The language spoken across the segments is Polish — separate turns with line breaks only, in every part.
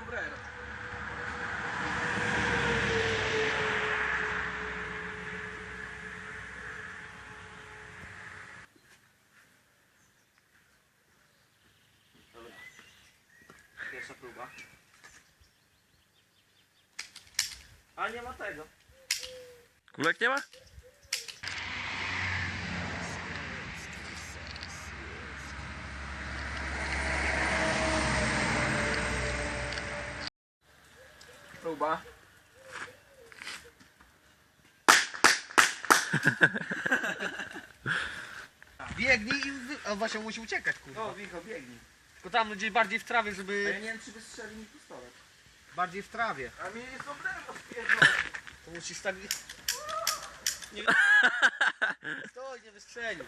sombrero. Dobra. Pierwsza próba. A nie ma tego.
Kulek nie ma?
Próba.
Biegnij i... A właśnie musi uciekać, kurwa.
O, Wicho, biegnij.
Tylko tam gdzieś bardziej w trawie,
A ja
żeby...
nie wiem, czy wystrzeli mi pistolet.
Bardziej w trawie.
A mnie jest sombrero spierdolone.
To musi stawić... Nie... Stoj, nie wystrzelił.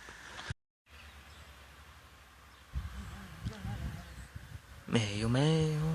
Meio, meio.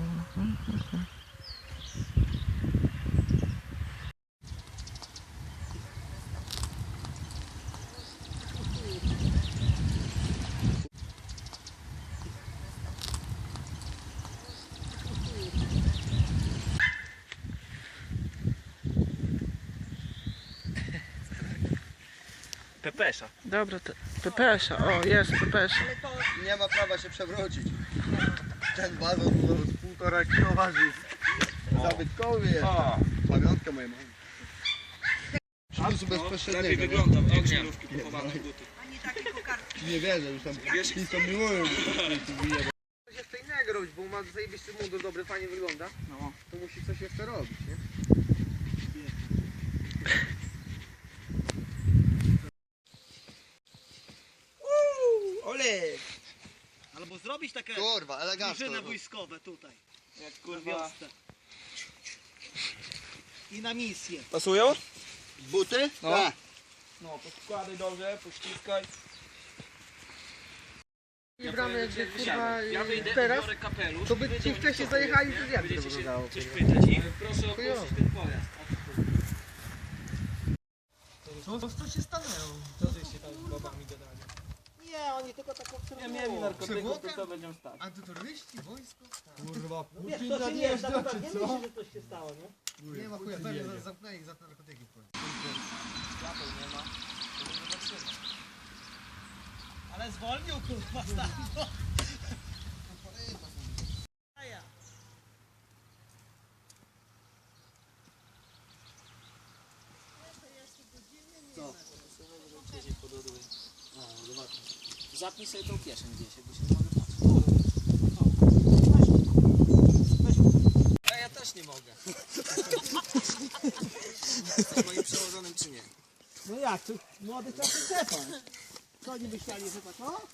Pepesza.
Dobra, pepesza, o jest pepesza.
Nie ma prawa się przewrócić. Ten bazon to 1,5 kg waży. Zabytkowy jest.
O,
Pamiątka mojej mamy. Przyniósł bezpośredniego.
lepiej wyglądam, jak żyrówki kupowane buty.
Nie wierzę, już tam blisko miłują. Coś jeszcze innego robić, bo ma zajebisty mundur dobry, fajnie wygląda.
No.
To musi coś jeszcze robić, nie?
Ole! Albo zrobić takie
Kurwa, elegancko.
drużyny wojskowe tutaj,
Jak
na
kurwa.
wiosce. I na misję.
Pasują?
Buty?
No.
Tak.
No, podkładaj dobrze, pościskaj.
Nie bramy jakby kurwa
Ja wyjdę,
teraz,
biorę kapelusz.
to by ci wcześniej zajechali, to jak to
Będziecie się
wyglądało?
coś pytać i proszę opuścić ten pojazd.
Co się stanęło?
Co żeście tam z babami gadali?
Nie, oni tylko tak obserwują.
Nie mieli narkotyków, to co będziemy stać?
Antyterroryści, wojsko? Kurwa,
Wiesz, to się nie jest, tak nie myśli, że coś się stało, nie?
nie ma chuja, pewnie zamknęli ich za te narkotyki.
Ale zwolnił, kurwa, stanął.
Zapnij sobie tą kieszeń gdzieś, jakby się nie mogę patrzeć. A ja też nie mogę. Jesteś moim przełożonym czy nie?
No jak, to młody czasy Stefan. Co oni myśleli, że tak, no?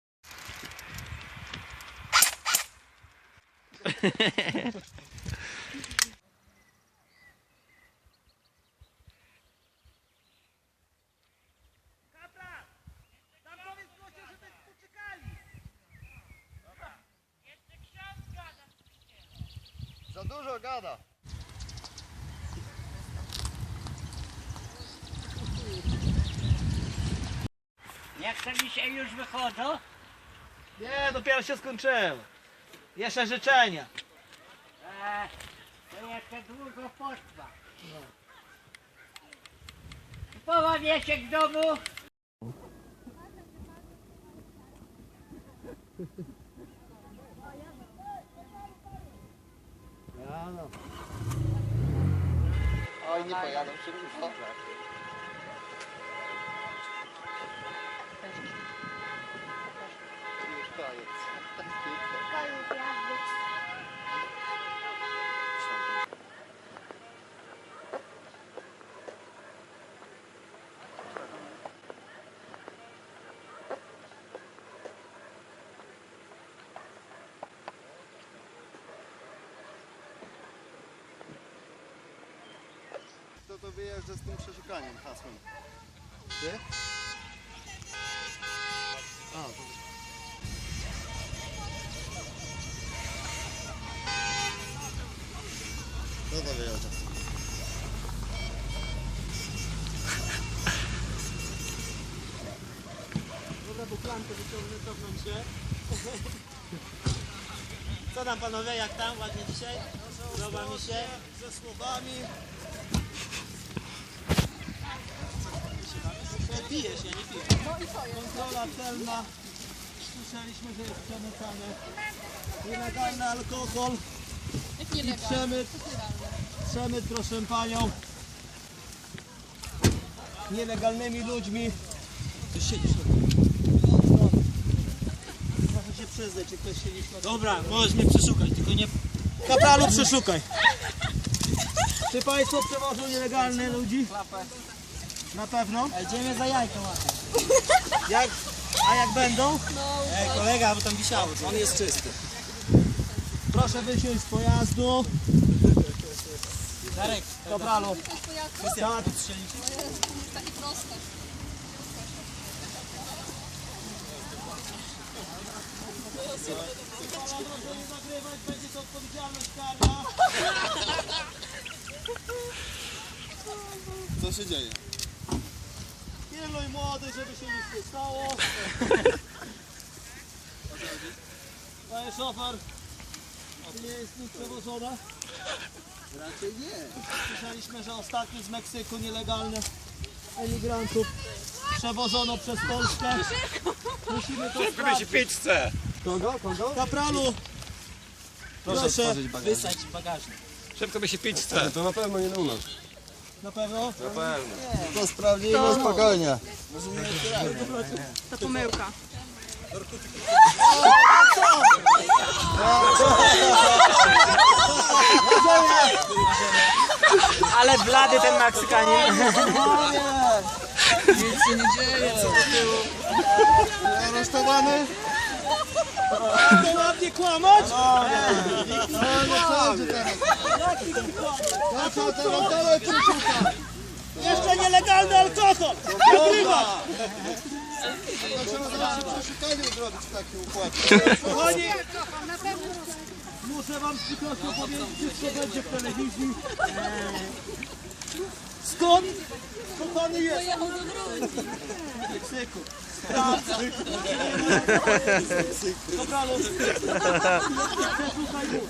Za dużo gada.
Jak to dzisiaj już wychodzą?
Nie, dopiero się skończyło. Jeszcze życzenia.
To jeszcze długo potrwa. Połowa wieczek w domu.
Oj, nie pojadą się kurwa. Już koniec. To wyjeżdża z tym przeszukaniem, hasłem. Ty? A, to... No to wyjeżdża.
Dobra, bo klamkę wyciągnę, cofnąć się. Co tam panowie, jak tam? Ładnie dzisiaj? Podoba mi się.
Ze słowami.
Pijesz, ja nie piję.
Kontrola celna. Słyszeliśmy, że jest przemycany nielegalny alkohol i przemyt, proszę panią, nielegalnymi ludźmi.
Ty siedzisz.
Proszę się przyznać, czy ktoś siedzi w
Dobra, możesz mnie przeszukać, tylko nie...
Kapralu, przeszukaj. Czy państwo przewożą nielegalne ludzi? Na pewno.
Idziemy za jajko łapać.
A jak będą?
Ej, kolega, bo tam wisiało. On jest czysty.
Proszę wysiąść z pojazdu.
Darek,
Kapralu.
tak, strzelić.
Takie proste.
Będzie to odpowiedzialność karna.
Co się dzieje?
Pilnuj młody, żeby się nic nie stało. Panie szofer, czy nie jest nic przewożone?
Raczej nie.
Słyszeliśmy, że ostatni z Meksyku nielegalnych emigrantów przewożono przez Polskę. Musimy to sprawdzić.
pizzę.
Kogo? Kapralu, proszę.
Wysać bagażnik.
Szybko by się pizzę.
To na pewno nie u nas.
Na pewno?
To sprawdzimy spokojnie.
To pomyłka.
Ale blady ten Meksykanin.
Aresztowany?
To ładnie kłamać?
No co teraz? No co teraz? Dalej przeszukaj.
Jeszcze nielegalny alkohol! Nagrywa!
To trzeba zaraz przeszukanie zrobić w takim układzie.
Kochani, muszę wam z przykrością powiedzieć, wszystko będzie w telewizji. Skąd? Kochany jest?
Pojechał do Gruzji.
W Meksyku. Kapralu, przeszukaj mu.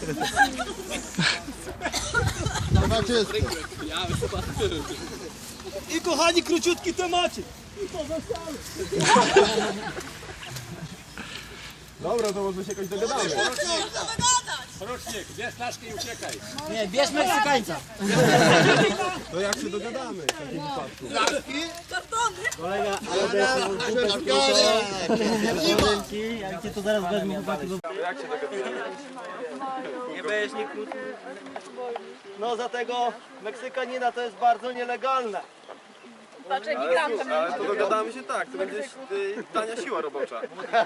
Chyba czysto.
I kochani, króciutki temacik. I to wesele.
Dobra, to może się jakoś dogadamy.
Nie, bierz Meksykańca.
To jak się dogadamy w takim wypadku?
Jak cię to zaraz wezmę, chłopaki.
Nie będziesz nie kłótni. No za tego Meksykanina to jest bardzo nielegalne.
Patrz, emigrantem.
Ale to dogadamy się tak, to będzie tania siła robocza.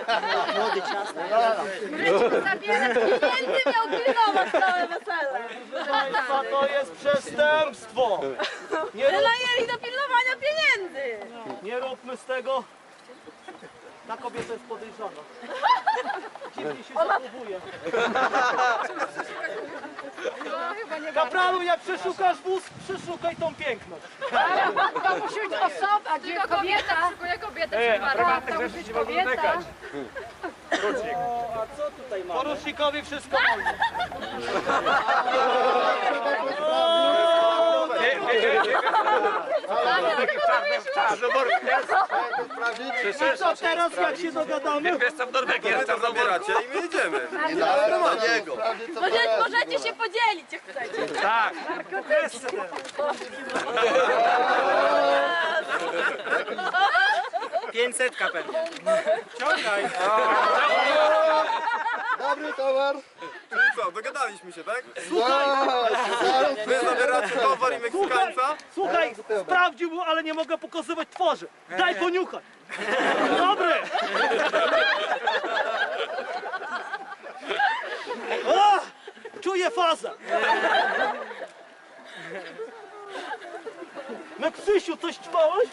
Zabierać pieniędzy miał pilnować całe wesele.
A to jest przestępstwo.
Wynajęli do pilnowania pieniędzy.
Nie róbmy z tego. Ta kobieta jest podejrzana. Dziwnie się zachowuje. Kapralu, jak przeszukasz wóz, przeszukaj tą piękność.
To musi być osoba, tylko kobieta. Tylko kobieta, to musi być kobieta.
A co tutaj mamy? Porucznikowi wszystko wolno. Co teraz, jak się dogadamy?
Jestem w Norwegii, jestem
Zabieracie i my jedziemy. Na niego.
Możecie się podzielić, jak chcecie.
Tak.
500 pewnie.
Ciągaj.
Dobry towar.
Czyli co, dogadaliśmy się, tak?
Słuchaj.
Wy zabieracie towar i Meksykańca?
Słuchaj, sprawdził mu, ale nie mogę pokazywać twarzy. Daj poniuchać. Dobry. O, czuję fazę. Meksysiu, coś ćpałeś?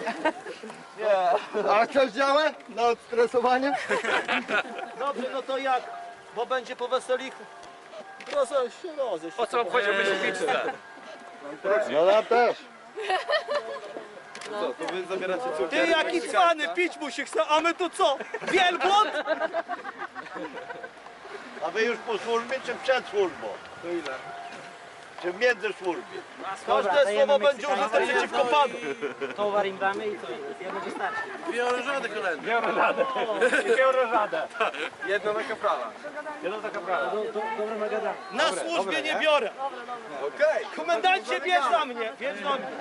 A coś działa? Na odstresowanie?
Dobrze, no to jak? Bo będzie po weselichu. Proszę się rozejść.
Po co obchodziłby się pizzę?
No ja też.
Co, to wy zabieracie cukier
Ty
i
jaki
Meksykańca?
cwany, pić mu się chce, a my tu co? Wielbłąd?
A wy już po służbie czy przed służbą? To ile? Czy w międzysłużbie?
Każde słowo będzie użyte przeciwko panu.
Towar im damy i co? Jedno wystarczy.
Dwie orężady kolejne.
Dwie orężade.
Jedno na kaprala.
Jedno za kaprala.
Dobra, nagadamy.
Na służbie nie biorę.
Okej.
Komendancie, bierz na mnie. Bierz na mnie.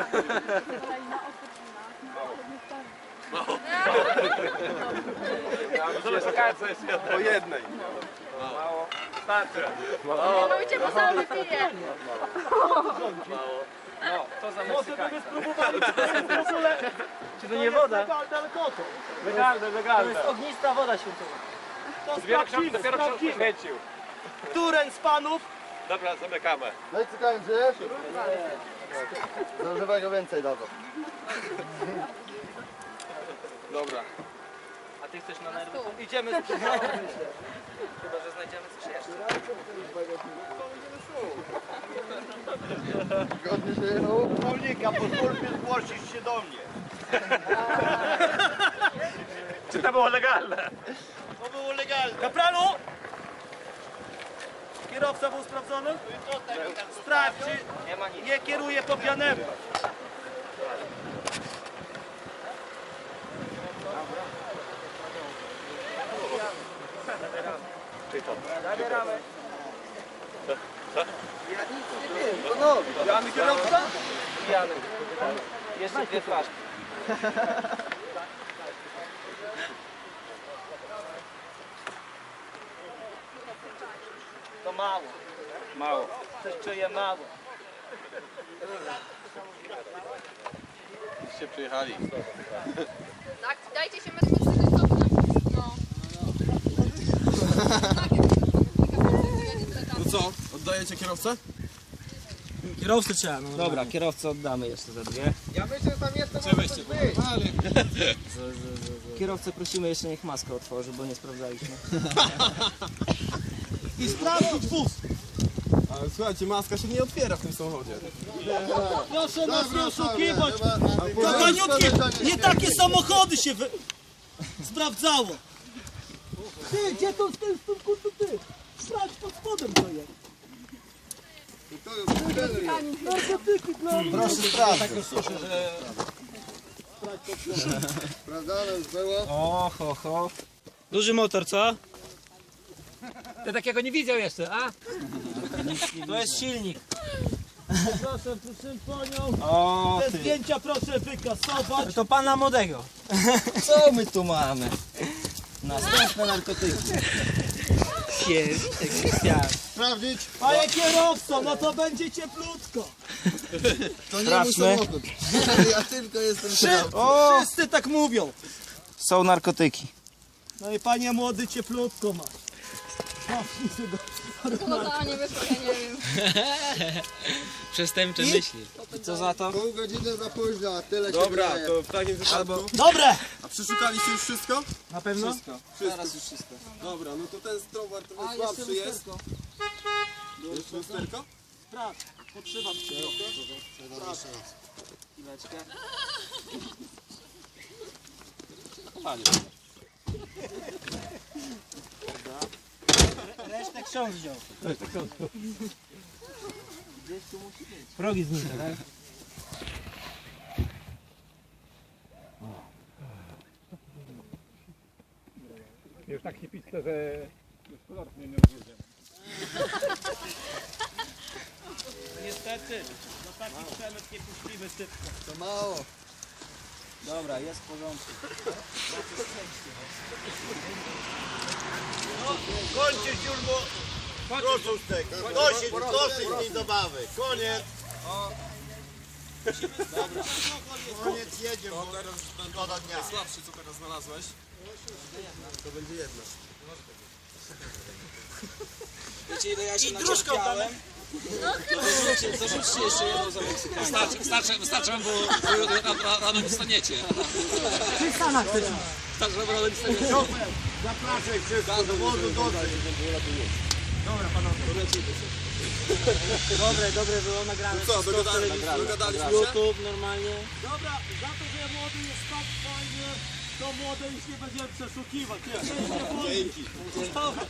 Po jednej.
Starczy.
Nie mówicie, bo sam wypiję.
No, to za
Może by
Meksykańca.
spróbowali, czy to jest w ogóle...
Czy to nie woda?
Legalne, ale koto.
Legalne,
To
legalne.
jest ognista woda święcowa.
To
Dopiero
sprawdzimy.
świecił.
Któren z panów?
Dobra, zamykamy.
Meksykańcy? Zażywego więcej dadzą.
Dobra.
A ty chcesz na nerwy?
Idziemy z
Chyba, że znajdziemy coś jeszcze.
Zgodnie się jechał. Prawnika, po służbie zgłosisz się do mnie.
Czy to było legalne?
To było legalne. Kapralu! Kierowca był sprawdzony? Sprawdź, czy nie kieruje po pijanemu.
Pijany kierowca?
Pijany. Jeszcze dwie flaszki.
To mało.
Mało.
Coś czuję mało.
Się przyjechali.
Tak, dajcie się metr No.
No co? Oddajecie kierowcę?
Kierowcę trzeba, no. Dobra, kierowcę oddamy jeszcze za dwie.
Ja myślę, że tam jestem
Kierowcę prosimy jeszcze niech maskę otworzy, bo nie sprawdzaliśmy.
I sprawdzić wóz.
Ale słuchajcie, maska się nie otwiera w tym samochodzie.
Proszę nas nie oszukiwać. Kochaniutki, nie takie samochody się sprawdzało. Ty, gdzie to z tym kurtu ty? Sprawdź pod spodem to jest. Narkotyki dla mnie.
Proszę sprawdzić. Sprawdzane już było.
O, ho, ho. Duży motor, co?
Ty takiego nie widział jeszcze, a?
To jest silnik.
Proszę panią.
O,
Te zdjęcia proszę wykasować.
to pana młodego. Co my tu mamy? Następne narkotyki. Krystian.
Sprawdzić.
Panie kierowco, no to będzie cieplutko.
To nie mój samochód. Ja tylko jestem kierowcą.
Wszyscy tak mówią.
Są narkotyki.
No i panie młody cieplutko ma.
No nie wyszło, ja nie wiem.
Przestępcze myśli. I co za to?
Pół godziny za późno, a tyle się
Dobra,
wydaje.
to w takim wypadku...
Dobre!
A przeszukaliście już wszystko?
Na pewno?
Wszystko. Teraz już wszystko. Dobra, no to ten strowar trochę słabszy jest. Jeszcze lusterko?
Sprawdź, podtrzymam cię.
Chwileczkę. Resztę ksiądz wziął. Progi znikły, tak?
Już tak się pisze, że gospodarstwo nie odwiedzię.
Niestety, do takich przemyt nie puścimy szybko.
To mało.
Dobra, jest w porządku.
Kończyć już, bo... Proszę z tego. Dosyć tej zabawy. Koniec. Koniec, jedzie, bo szkoda dnia.
Słabszy, co teraz znalazłeś? To będzie jedno.
Wiecie ile ja się
Dróżką damy.
Zarzućcie jeszcze jedną za Meksykanę.
Wystarczy wam, bo rano nie staniecie. Wystarczy wam, rano nie staniecie.
Zapraszaj wszystko do wozu, dosyć.
Dobre było nagrane.
Co, dogadaliśmy się?
YouTube normalnie.
Dobra, za to, że ja młody jest tak fajnie. To młode już nie będziemy przeszukiwać. Nie, nie wolno. Dobra.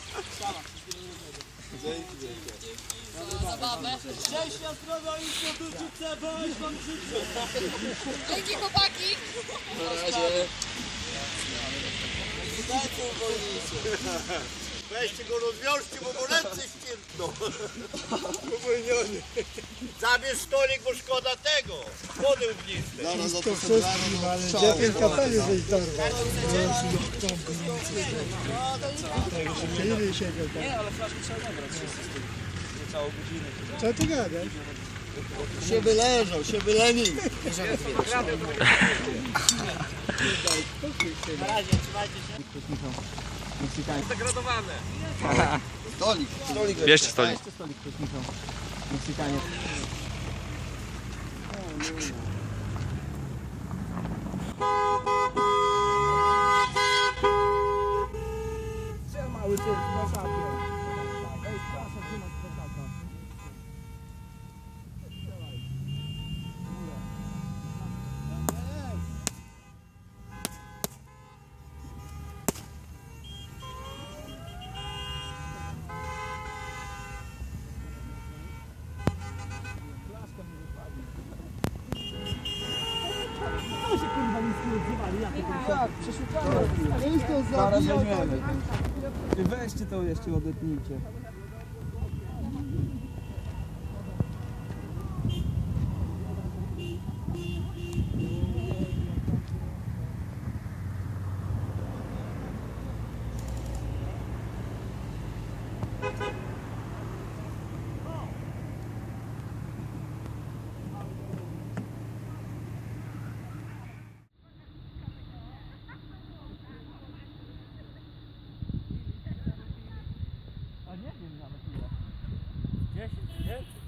Szczęścia, zdrowia i poduczyce, weź wam życzę.
Dzięki chłopaki.
Weźcie go rozwiążcie, bo mu ręce ścierpną. Zabierz stolik, bo szkoda tego. Wody ugnistej.
Zaraz za to wszystkim, ale gdzie ten kapeli żeś dorwał? Ile siedział tam?
Nie, ale flaszki trzeba nabrać wszyscy z tym. Nie całą godzinę.
Co ty gadasz? Się wyleżał, się wylenił.
Zagradowane.
Stolik.
Bierzcie stolik.
Mały ty, na szafie. Ej, proszę, trzymać prosaka.
To się kurwa nic nie odzywali.
Tak, przeszukamy.
Zaraz weźmiemy.
Weźcie to jeszcze, odetnijcie.
A nie wiem nawet ile. 10, nie?